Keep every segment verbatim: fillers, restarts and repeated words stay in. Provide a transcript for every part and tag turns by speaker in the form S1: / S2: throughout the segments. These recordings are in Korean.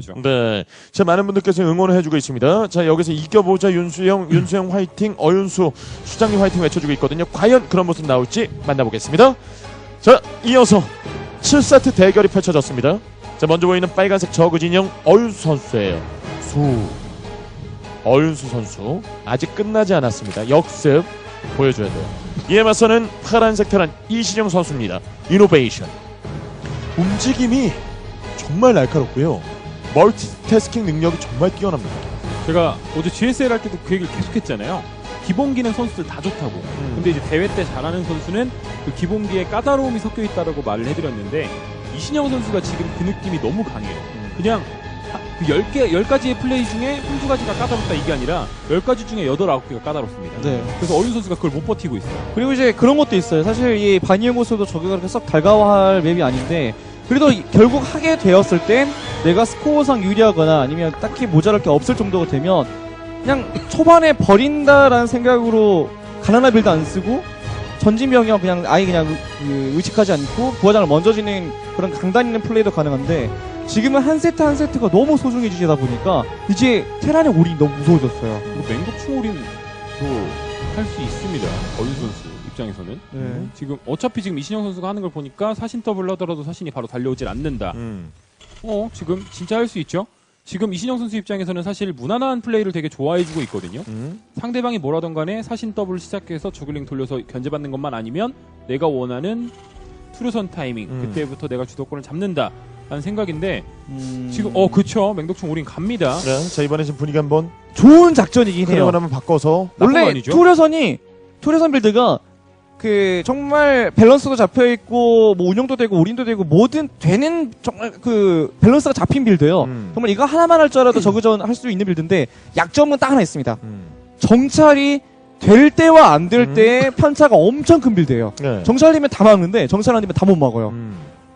S1: 거죠.
S2: 네. 자, 많은 분들께서 응원을 해주고 있습니다. 자, 여기서 이겨보자 윤수영, 윤수영 화이팅, 어윤수 수장님 화이팅 외쳐주고 있거든요. 과연 그런 모습 나올지 만나보겠습니다. 자, 이어서 칠 세트 대결이 펼쳐졌습니다. 자, 먼저 보이는 빨간색 저그진영 어윤수 선수예요. 수. 어윤수 선수 아직 끝나지 않았습니다. 역습 보여줘야 돼요. 이에 맞서는 파란색 테란 이신영 선수입니다. 이노베이션. 움직임이 정말 날카롭고요. 멀티태스킹 능력이 정말 뛰어납니다.
S1: 제가 어제 지에스엘 할 때도 그 얘기를 계속했잖아요. 기본기는 선수들 다 좋다고.
S2: 음.
S1: 근데 이제 대회 때 잘하는 선수는 그 기본기에 까다로움이 섞여 있다라고 말을 해드렸는데 이신영 선수가 지금 그 느낌이 너무 강해요.
S2: 음.
S1: 그냥 그 열 개, 열 가지의 플레이 중에 한두 가지가 까다롭다 이게 아니라 열 가지 중에 여덟, 아홉 개가 까다롭습니다.
S3: 네.
S1: 그래서 어윤 선수가 그걸 못 버티고 있어요.
S3: 그리고 이제 그런 것도 있어요. 사실 이 바니엘 고스도 저게 그렇게 썩 달가워할 맵이 아닌데 그래도 이- 결국 하게 되었을 땐 내가 스코어상 유리하거나 아니면 딱히 모자랄 게 없을 정도가 되면 그냥 초반에 버린다라는 생각으로 가난한 빌드 안 쓰고 전진 병력 그냥 아예 그냥 그 의식하지 않고 부하장을 먼저 지는 그런 강단 있는 플레이도 가능한데 지금은 한 세트 한 세트가 너무 소중해지다 보니까 이제 테란의 올인이 너무 무서워졌어요.
S1: 그리고 맹독충 올인도 할 수 있습니다. 어윤 선수 입장에서는.
S3: 네.
S1: 지금 어차피 지금 이신영 선수가 하는 걸 보니까 사신 더블 하더라도 사신이 바로 달려오질 않는다.
S2: 음.
S1: 어, 지금 진짜 할 수 있죠? 지금 이신영 선수 입장에서는 사실 무난한 플레이를 되게 좋아해주고 있거든요.
S2: 음.
S1: 상대방이 뭐라던 간에 사신 더블 시작해서 저글링 돌려서 견제받는 것만 아니면 내가 원하는 투르선 타이밍
S2: 음.
S1: 그때부터 내가 주도권을 잡는다 라는 생각인데
S3: 음...
S1: 지금 어 그쵸 맹독충 올인 갑니다.
S2: 네. 자, 이번에 지금 분위기 한번
S3: 좋은 작전이긴 해요.
S2: 흐름을 한번 바꿔서
S1: 나쁜 거
S3: 원래
S1: 아니죠?
S3: 투레선이 투레선 빌드가 그 정말 밸런스도 잡혀 있고 뭐 운영도 되고 올인도 되고 뭐든 되는 정말 그 밸런스가 잡힌 빌드예요.
S2: 음.
S3: 정말 이거 하나만 할 줄 알아도 저그전 할 수 있는 빌드인데 약점은 딱 하나 있습니다.
S2: 음.
S3: 정찰이 될 때와 안 될
S2: 음.
S3: 때의 편차가 엄청 큰 빌드예요.
S2: 네.
S3: 정찰이면 다 막는데 정찰 아니면 다 못 막아요.
S2: 음.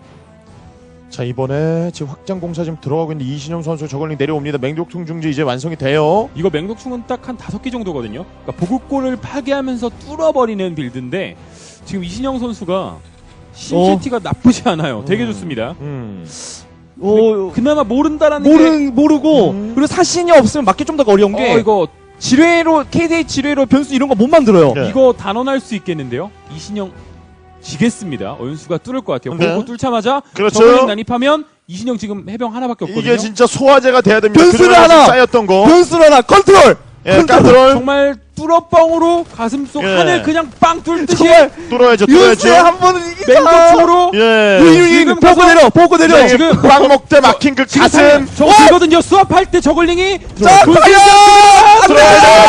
S2: 자, 이번에 지금 확장 공사 지금 들어가고 있는데 이신영 선수 저걸링 내려옵니다. 맹독충 중지 이제 완성이 돼요.
S1: 이거 맹독충은 딱 한 다섯 개 정도거든요. 그러니까 보급골을 파괴하면서 뚫어버리는 빌드인데 지금 이신영 선수가 심시티가 나쁘지 않아요. 되게
S2: 음.
S1: 좋습니다.
S2: 음.
S3: 오,
S1: 그나마 모른다라는
S3: 모르, 모르고
S2: 음.
S3: 그리고 사신이 없으면 막기 좀 더 어려운
S1: 게
S3: 게
S1: 어, 이거
S3: 지뢰로 케이디에이치 지뢰로 변수 이런 거 못 만들어요.
S2: 네.
S1: 이거 단언할 수 있겠는데요. 이신영 지겠습니다. 어윤수가 뚫을 것 같아요.
S2: 네.
S1: 보고 뚫자마자
S2: 그렇죠.
S1: 저글링 난입하면 이신영 지금 해병 하나밖에 없거든요.
S2: 이게 진짜 소화제가 돼야 됩니다.
S3: 변수를
S2: 그동안
S3: 하나!
S2: 쌓였던 거.
S3: 변수 하나 컨트롤.
S2: 예, 컨트롤.
S1: 정말 뚫어뻥으로 가슴속
S2: 예.
S1: 하늘 그냥 빵 뚫듯이
S3: 정말
S2: 뚫어야죠. 뚫어야죠.
S3: 유스에 한 번은 이기자.
S1: 맹독충으로
S2: 예.
S3: 유유유
S1: 지금
S3: 보고
S1: 가서-
S3: 내려 보고 내려.
S2: 네,
S1: 지금
S2: 지금 빵 먹대 막힌 그 가슴.
S1: 저거거든요. 수업할 때 저글링이
S3: 자,
S1: 돌-
S3: 과연!
S2: 들어가야